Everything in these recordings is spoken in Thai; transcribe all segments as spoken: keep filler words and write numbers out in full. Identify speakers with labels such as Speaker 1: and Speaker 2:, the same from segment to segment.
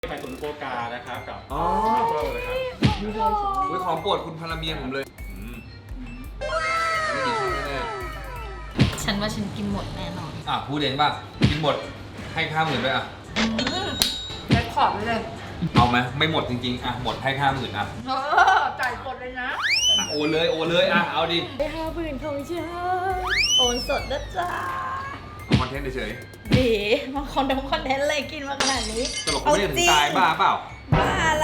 Speaker 1: ไข่ตุ๋นโฟกานะครับกับ
Speaker 2: อ๋อ
Speaker 1: ทัฟเฟิลนะครับ
Speaker 2: อุ้ยของโปรดคุณพลเมียผมเลยอืมไม่ดีชอบแน่
Speaker 3: ฉันว่าฉันกินหมดแน่นอน
Speaker 2: ๆอ่ะพูดเองป่ะกินหมดให้ข้าวหมื่นไปอ่ะ
Speaker 3: แจ็คพอตไปเลย
Speaker 2: เอาไหมไม่หมดจริงๆอ่ะหมดให้ข้าวหมื่นอ่ะ
Speaker 3: เออจ่ายหมดเลยนะ
Speaker 2: อ่ะโอนเลยโอนเลยอ่ะเอาดิ
Speaker 3: ไปห้าหมื่นของฉันโอนสดนะจ๊ะ
Speaker 2: เอาคอนเทนต์เฉย
Speaker 3: บีมาคอนเทนต์คอนเทนต์อะไรกินมาขนาดนี้
Speaker 2: ๆตลกไม่ได้ถึงตายบ้าเปล่า
Speaker 3: บ้าอะไร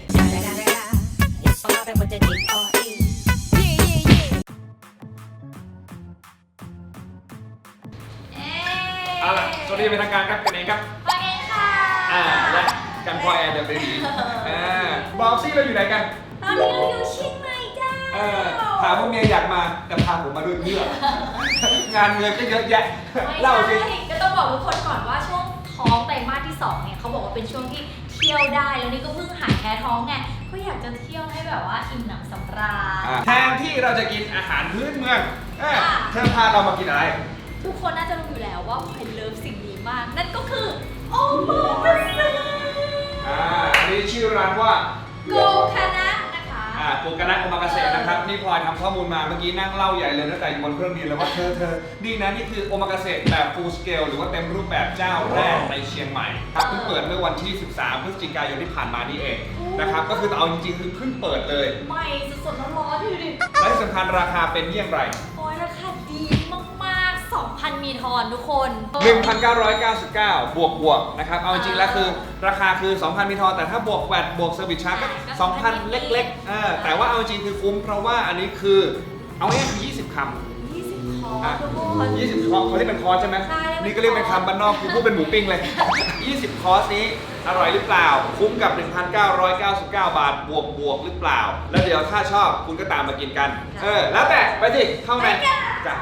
Speaker 2: เอาล่ะสวัสดีเป็นทางการครับกันเองครับ
Speaker 3: ไปค่ะ
Speaker 2: อ่าและกันพอแอร์เดิมได้ดีอ่าบอกซี่เราอยู่ไหนกัน
Speaker 3: ตอนนี้เราอยู่เชียงใหม่จ้า
Speaker 2: เออถามว่าเมียอยากมาแต่พาผมมาด้วยเพื่องานเงินก็เยอะแยะเล่าสิ
Speaker 4: ไม่ใช่ก็ต้องบอกทุกคนก่อนว่าช่วงท้องไตรมาสที่สองเนี่ยเขาบอกว่าเป็นช่วงที่เที่ยวได้แล้วนี่ก็เพิ่งหายแพ้ท้องไงก็อยากจะเที่ยวให้แบบว่าอิ่มหนำสำราญ
Speaker 2: แทนที่เราจะกินอาหารพื้นเมืองเอ้ย
Speaker 4: ค่ะ
Speaker 2: เธอพาเรามากินอะไร
Speaker 4: ทุกคนน่าจะรู้อยู่แล้วว่าพลอยเลิฟสิ่งนี้มาก นั่นก็คือโอมากาเสะ
Speaker 2: อ่าอันนี้ชื่อร้านว่า
Speaker 4: โกคานะนะคะ
Speaker 2: อ่าโกกานะโอมากาเสะนะครับนี่พลอยทำข้อมูลมาเมื่อกี้นั่งเล่าใหญ่เลยตั้งแต่อยู่บนเครื่องบินแล้วว่าเธอเธอนี่นะนี่คือโอมากาเสะแบบ full scale หรือว่าเต็มรูปแบบเจ้าแรกในเชียงใหม่ครับเพิ่งเปิดเมื่อวันที่ สิบสาม พฤศจิกายนที่ผ่านมานี่เองนะครับก็คือเอาจริงๆคือเพิ่งเปิดเลย
Speaker 4: ใหม่สดๆร้อนๆอยู่ดิ
Speaker 2: และที่สำคัญราคาเป็นเยี่ยงไร
Speaker 4: โอ้ยราคาดีมากๆ สองพัน มีทอนทุกคน
Speaker 2: หนึ่งพันเก้าร้อยเก้าสิบเก้า บวกบวกนะครับ เอาจริงๆแล้วคือราคาคือ สองพัน มีทอน แต่ถ้าบวกแวดบวกเซอร์วิสชาร์จก็ สองพัน เล็กๆเออแต่ว่าเอาจริงคือคุ้มเพราะว่าอันนี้คือ เอาง่ายๆคือยี่สิบคำ
Speaker 4: ยี่สิบคอ
Speaker 2: อ่ะ
Speaker 4: ร์สทุกคน
Speaker 2: ยี่สิบคอร์สเขาเรียกเป็นคอร์สใช่ไหม
Speaker 4: ใช่เรียกเป็น
Speaker 2: นี่ก็เรียกเป็นคำบ้านนอกกูพูดเป็นหมูปิ้งเลย ยี่สิบ คอร์สนี้อร่อยหรือเปล่า คุ้มกับ หนึ่งพันเก้าร้อยเก้าสิบเก้า บาท บวกบวกหรือเปล่า แล้วเดี๋ยวถ้าชอบคุณก็ตามมากินกัน เออ แล้วแต่ไปสิเข้าในจ้ะ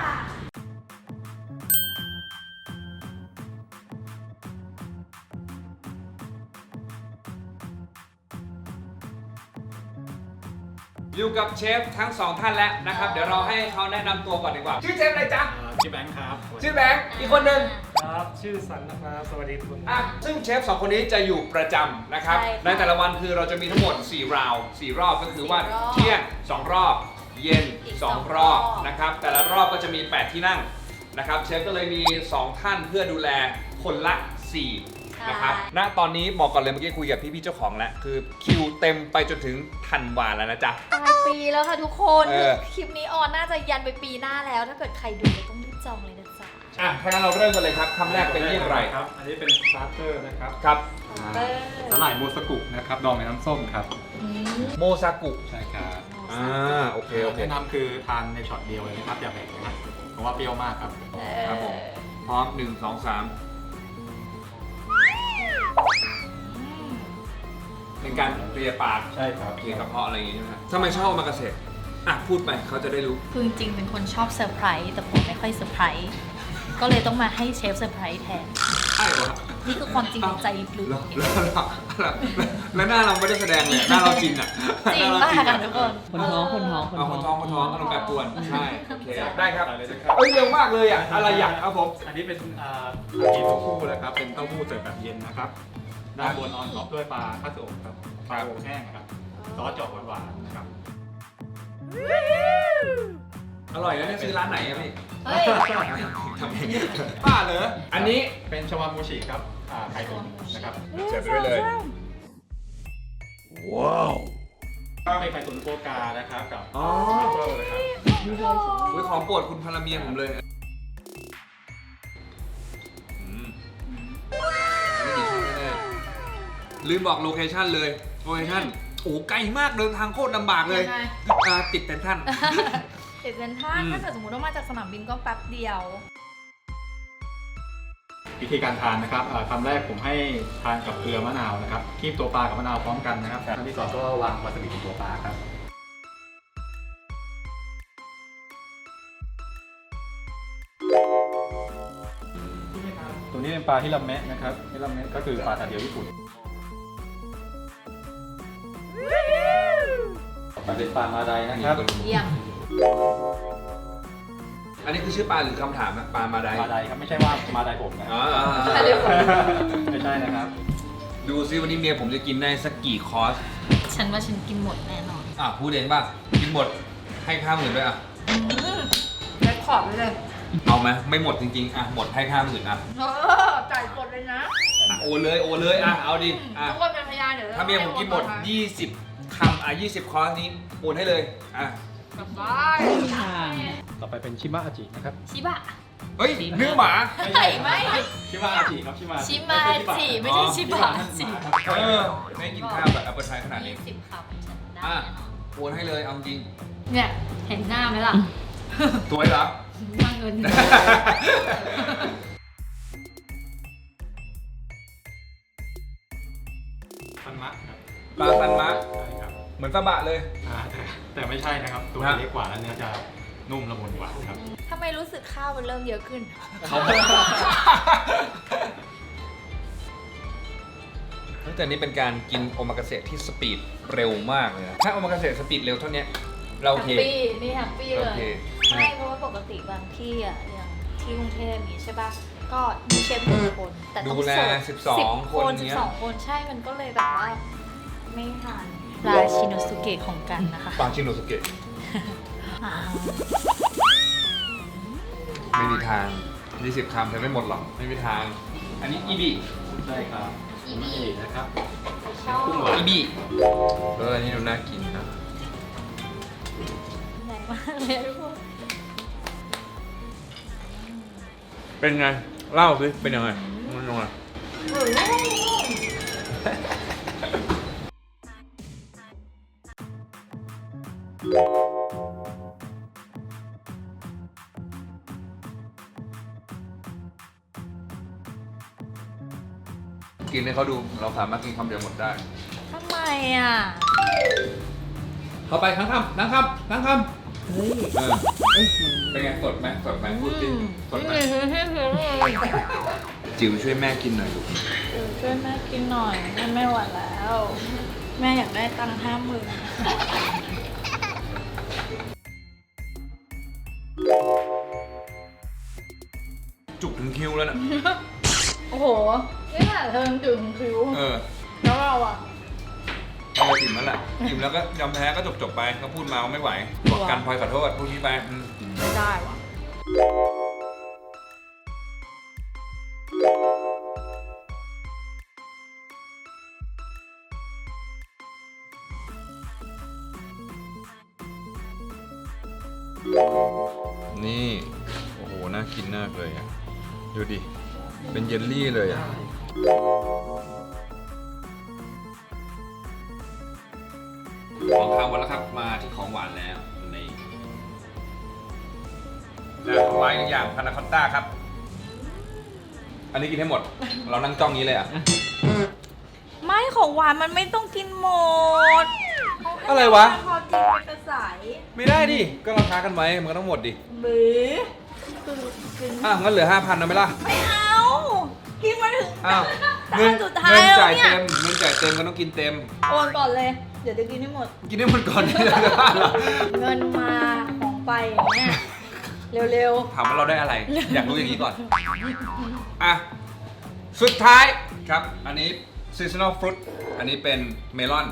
Speaker 2: อยู่กับเชฟทั้งสองท่านแล้วนะครับ เดี๋ยวเราให้เขาแนะนำตัวก่อนดีกว่า ชื่อเชฟอะไรจ๊ะ
Speaker 1: อ่าชื่อแบงค์ครับ
Speaker 2: ชื่อแบงค์อีกคนหนึ่ง
Speaker 1: ครับชื่อสันนะครับสวัสดีคุณ
Speaker 2: อ่ะซึ่งเชฟสองคนนี้จะอยู่ประจำนะครับ
Speaker 4: ใช่ค่ะ
Speaker 2: ในแต่ละวันคือเราจะมีทั้งหมดสี่ราวสี่รอบก็คือว่า
Speaker 4: สี่รอบ
Speaker 2: เที่ยงสองรอบ เย็น
Speaker 4: อีก
Speaker 2: สอง
Speaker 4: สอง
Speaker 2: รอบ
Speaker 4: รอบ
Speaker 2: นะครับ แต่ละรอบก็จะมีแปดที่นั่งนะครับเชฟก็เลยมีสองท่านเพื่อดูแลคนละสี่นะครับณตอนนี้บอกก่อนเลยเมื่อกี้คุยกับพี่ๆเจ้าของแล้วคือคิวเต็มไปจนถึงธันวาแล้วนะจ๊ะ
Speaker 4: ปลายปีแล้วค่ะทุกคน
Speaker 2: เออ
Speaker 4: คลิปนี้ออนน่าจะยันไปปีหน้าแล้ว ถ้าเกิดใครดูก็ต้องรีบจองเลยนะจ๊ะ
Speaker 2: อ่ะถ้างั้นเราเริ่มกันเลยครับคำแรกเป็นเยี่ยงไร
Speaker 1: ครับ อันนี้เป็นสตาร์เตอร์นะครับ
Speaker 2: ครับ
Speaker 4: เออ
Speaker 1: สลายโมสกุนะครับดองในน้ำส้มครับ
Speaker 4: อืม
Speaker 2: โมซากุ
Speaker 1: ใช่ครับ
Speaker 2: อ่าโอเคโอเค
Speaker 1: แนะนำคือทานในช็อตเดียวเลยนะครับอย่าแบ่งนะเพราะว่าเปรี้ยวมากครับ
Speaker 2: ครับผมพร้อมหนึ่งสองสามเป็นการเคลียร์ปาก
Speaker 1: ใช่ครับ
Speaker 2: เคลียร์กระเพาะอะไรอย่างงี้ใช่ไหมครับทำไมชอบโอมากาเสะอ่ะพูดไปเขาจะได้รู้
Speaker 3: คือจริงๆเป็นคนชอบเซอร์ไพรส์แต่ผมไม่ค่อยเซอร์ไพรส์ก็เลยต้องมาให้เชฟเซอร์ไพรส์แทน
Speaker 2: ใช่เหรอ
Speaker 3: นี่คือความจริงในใจลึก
Speaker 2: แล้ว
Speaker 3: ๆ
Speaker 2: แล้วแล้วแล้วแล้วหน้าเราไม่ได้แสดงเลยหน้าเราจริงอ่ะ
Speaker 3: จริง
Speaker 2: หน้
Speaker 3: มาก
Speaker 2: เร
Speaker 3: ค่ะทุกคน
Speaker 5: คนท้องคนท้องคน
Speaker 2: เอาคนท้องคนท้องอารมณ์แปรปรวนใช่โอเคได้ครับ
Speaker 1: ได้เลยนะครับ
Speaker 2: เอ้ยเร็วมากเลยอ่ะอะไรอยากครับผม
Speaker 1: อันนี้เป็นอ่าอากิเต้าหู้นะครับ เป็นเต้าหู้เสิร์ฟแบบเย็นนะครับ ด้านบนออนท็อปด้วยปลาคาสึโอะครับ ปลาโอแห้งครับ ซอสเจอกหวานๆนะครับ
Speaker 2: อร่อยนะเนี่ยซื้อร้านไหนอะพี่
Speaker 4: เฮ้ย
Speaker 2: ทำเองป้าเหรออันนี้
Speaker 1: เป็นชาวามูชิครับอ่าไข่ตุ๋นนะครับ
Speaker 2: เสิร์ฟไปด้วยเลย
Speaker 1: เป็นไข่ตุ๋นโฟกานะครับกับ
Speaker 2: อ๋อ
Speaker 1: ทัฟเฟิลนะครับ
Speaker 2: อุ้ยของโปรดคุณพลเมียผมเลยอืมไม่ดีชอบแน่ๆลืมบอกโลเคชั่นเลยโลเคชั่นโอ้ไกลมากเดินทางโคตรลำบากเลย
Speaker 3: ยังไง
Speaker 2: อ่าติดเป็นท่าน
Speaker 3: ติดเซนทรัล
Speaker 2: อืม
Speaker 3: ถ้าเกิดสมมติว่ามาจากสนามบินก็แป๊บเดียว
Speaker 1: วิธีการทานนะครับอ่าคำแรกผมให้ทานกับเกลือมะนาวนะครับคีบตัวปลากับมะนาวพร้อมกันนะครับคำที่สองก็วางวาซาบิบนตัวปลาครับ ตัวนี้เป็นปลาฮิราเมะนะครับฮิราเมะก็คือปลาตาเดียวญี่ปุ่นต่อไปเป็นปลามาไดนะครับ
Speaker 3: เยี่ยม
Speaker 2: อันนี้คือชื่อปลาหรือคำถามนะปลามาได
Speaker 1: มาไดครับไม่ใช่ว่ามาไดผมนะ
Speaker 2: อ๋ออ๋ออ๋อ
Speaker 1: ไม่ใช่นะครับ
Speaker 2: ลดูซิวันนี้เมียผมจะกินได้สักกี่คอร์ส
Speaker 3: ฉันว่าฉันกินหมดแน่นอน
Speaker 2: อ่ะพูดเองป่ะกินหมดให้ค่าหมื่นด้วยอ่ะ
Speaker 3: แล็คขอบไปเลย
Speaker 2: เอาไหมไม่หมดจริงๆอ่ะหมดให้ค่าหมื่นอ่ะ
Speaker 3: เออจ่ายกดเลยนะ
Speaker 2: อ่ะโอนเลยโอนเลยอ่ะเอาดิอ่ะ
Speaker 3: ทุกคนเป็นพยานเดี๋ยว
Speaker 2: ถ้าเมียผมกินหมดยี่สิบคำอ่ะยี่สิบคอร์สนี้โอนให้เลยอ่ะ
Speaker 3: กลับบ้าน
Speaker 1: ต่อไปเป็นชิมะอาจินะครับ
Speaker 3: ชิบะ
Speaker 2: เฮ้ยเนื้อหมา
Speaker 3: ไม่ไม่
Speaker 1: ชิมะอาจิครับชิมะ
Speaker 3: ชิมาจิไม่ใช่ชิบะจิ
Speaker 2: เออไม่กินข้าวแบบแอปเปิลไทยขนาดนี้
Speaker 3: ยี่สิบคำฉันได้
Speaker 2: อ่ะ
Speaker 3: แน่นอน
Speaker 2: โอนให้เลยเอาจริง
Speaker 3: เนี่ย เห็นหน้าไหมล่ะ
Speaker 2: สวยเหรอ
Speaker 3: มาเงิน
Speaker 1: ซันมะครับ
Speaker 2: ปลาซันมะ
Speaker 1: ใช่ครับ
Speaker 2: เหมือนซาบะเลย
Speaker 1: อ่าแต่แต่ไม่ใช่นะครับ ตัว
Speaker 2: ฮะ
Speaker 1: เล็กกว่าแล้วเนื้อจะนุ่มละมุนกว่าครับ
Speaker 4: ทำไมรู้สึกข้าวมันเริ่มเยอะขึ้น
Speaker 2: เขาแต่นี่เป็นการกินโอมากาเสะที่สปีดเร็วมากเลยนะถ้าโอมากาเสะสปีดเร็วเท่านี้เราโอ
Speaker 3: แฮ
Speaker 2: เค
Speaker 3: ปปี้นี่แฮปปี้เล
Speaker 2: โอย เค
Speaker 3: ใช่เพราะว่าปกติบางที่อ่ะอย่างที่กรุงเทพอย่างนี้ใช่ป่ะก็มีเชฟหนึ่งคน แต่ต้อง
Speaker 2: ดูแล
Speaker 3: เสิร์ฟ
Speaker 2: สิบสอง
Speaker 3: ค
Speaker 2: คน
Speaker 3: นสิ
Speaker 2: เนี้
Speaker 3: บ
Speaker 2: ย
Speaker 3: สองคนใช่มันก็เลยแบบว่า ไม่ทันราชิโนสุเกะของกันนะคะ
Speaker 2: ปางชิโนสุเกะ
Speaker 3: อ่า
Speaker 2: ไม่มีทางยี่สิบคำจะไม่หมดหรอกไม่มีทาง อันนี้อีบี
Speaker 1: ใช่ครับ
Speaker 3: อีบี
Speaker 1: อีนะครับ
Speaker 3: ชอบ
Speaker 1: กุ้งหวาน
Speaker 2: อีบีเอออันนี้ดูน่ากินนะ
Speaker 3: ใหญ่มากเลยทุกคน
Speaker 2: เป็นไงเล่าสิเป็นยังไงมันยังไง
Speaker 3: เออนุ่ม
Speaker 2: กินให้เขาดูเราสามารถกินคำเดียวหมดได้
Speaker 3: ทำไมอ่ะ
Speaker 2: เข้าไปทั้งคำทั้งคำทั้งคำเฮ้ยเออเป็นไงสดไหมสดไหมพูดดิสดไหมจิ๋วช่วยแม่กินหน่อยลูก
Speaker 3: เดี๋ยวช่วยแม่กินหน่อยแม่ไม่ไหวแล้ว แม่อยากได้ตังค์ห้าหมื่น
Speaker 2: จุกถึงคิวแล้วนะ
Speaker 3: โอ้โห นี่แหละเธอถึงคิ้ว
Speaker 2: เออ
Speaker 3: แล้วเราอ่ะ
Speaker 2: เอาไปอิ่มแล้วแหละอิ่มแล้วก็ยอมแพ้ก็จบจบๆไปก็พูดมาว่าไม่ไหวบอกกันพลอยขอโทษพูดนี้ไปอืม
Speaker 3: ไม่ได้ว่ะ
Speaker 2: นี่โอ้โหน่ากินมากเลยอ่ะดูดิเป็นเยลลี่เลยอ่ะของข้าวหมดแล้วครับมาที่ของหวานแล้วนี่และของหวานอีกอย่างพานาคอตต้าครับ อันนี้กินให้หมด เรานั่งจ้องนี้เลยอ่ะ
Speaker 3: ไม่ของหวานมันไม่ต้องกินหมด
Speaker 2: อะไรวะ
Speaker 3: พอกินเป็นกระสาย
Speaker 2: ไม่ได้ดิ ก็เราค้ากันไว้ มันก็ต้องหมดดิ
Speaker 3: บื้อคือกิน
Speaker 2: อ่ะ งั้นเหลือห้าพันนะไหมล่ะ
Speaker 3: ไม่เอา กินมาถึง
Speaker 2: อ้าว
Speaker 3: จา
Speaker 2: เงิน
Speaker 3: นสุดท้าย
Speaker 2: เงิน
Speaker 3: แล้ว
Speaker 2: จ่าย
Speaker 3: เนี่ย
Speaker 2: เต็ม เงินจ่ายเต็มก็ต้องกินเต็ม
Speaker 3: โอนก่อนเลย เดี๋ยวจะกินให้หมด
Speaker 2: กินได้หมดก่อนที่จะได้เหรอ
Speaker 3: เงินมาของไปอย่างเนี่ยเร็ว
Speaker 2: ถามว่าเราได้อะไร อยากรู้อย่างนี้ก่อน อ่ะ สุดท้ายครับ อันนี้ seasonal fruit อันนี้เป็นเมลอน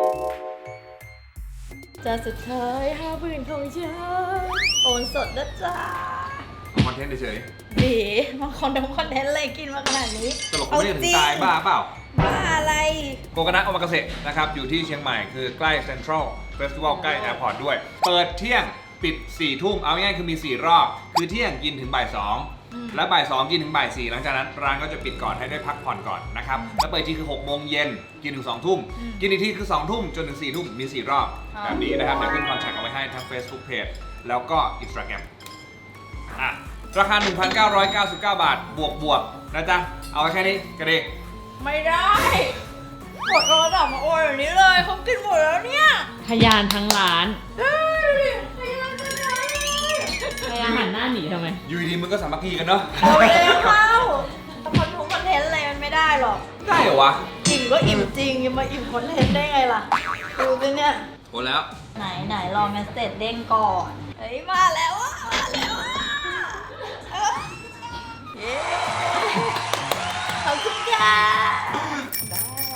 Speaker 3: ๆ จะสุดท้ายห้าหมื่นของฉันโอนสดนะจ๊ะ
Speaker 2: เอาคอนเทนต์เฉย
Speaker 3: ดีมาคอนเทนต์คอนเทนต์อะไรกินมาขนาดนี้
Speaker 2: ๆตลกไม่ได้ถึงตายบ้าเปล่า
Speaker 3: บ้าอะไร
Speaker 2: โกกานะโอมากาเสะนะครับ อยู่ที่เชียงใหม่คือใกล้เซ็นทรัลเฟสติวัลใกล้แอร์พอร์ตด้วย เปิดเที่ยงปิดสี่ทุ่มเอาง่ายๆคือมีสี่รอบ คือเที่ยงกินถึงบ่ายสองและบ่ายสองกินถึงบ่ายสี่หลังจากนั้นร้านก็จะปิดก่อนให้ได้พักผ่อนก่อนนะครับแล้วเปิดที่คือหกโมงเย็นกินถึงสองทุ่มกินอีกที่คือสองทุ่มจนถึงสี่ทุ่มมีสี่รอบ
Speaker 3: ครับ
Speaker 2: แบบนี้นะครับเดี๋ยวขึ้นคอนแทคเอาไว้ให้ทั้ง Facebook Page แล้วก็ Instagram อ่ะราคา หนึ่งพันเก้าร้อยเก้าสิบเก้า บาทบวกบวกๆนะจ๊ะเอาไว้แค่นี้ก็ดี
Speaker 3: ไม่ได้กดโทรศัพท์มาโอนแบบนี้เลยเขากินหมดแล้วเนี่ย
Speaker 5: พยานทั้งร้าน
Speaker 3: เฮ้ยพยายามจะไหน
Speaker 5: พยานหันหน้าหนีทำไม
Speaker 2: อยู่ดีๆมึงก็สามัคคีกันเนาะ
Speaker 3: เอาเร็วเข้าถ้าคอนทงคอนเทนต์อะไรมันไม่ได้หรอก
Speaker 2: ได้เหรอวะ
Speaker 3: อิ่มก็อิ่มจริงจะมาอิ่มคอนเทนต์ได้ไงล่ะ ดูสิเนี่ย
Speaker 2: โอ้แล้ว
Speaker 3: ไหนไหนรอเมสเซจเด้งก่อน เฮ้ย มาแล้วอ่ะ มาแล้วอ่ะเอ้ยเย้ขอบคุณค่ะได้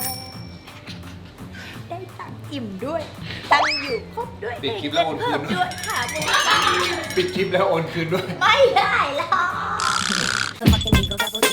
Speaker 4: อิ่มด้วย ตั้งอยู่ครบด้วย
Speaker 2: ปิดคลิปแล้วโอนคืน
Speaker 4: เพิ่มด้วยค่ะมึง
Speaker 2: ปิดคลิปแล้วโอนคืนด้วย
Speaker 4: ไม่ได้หรอก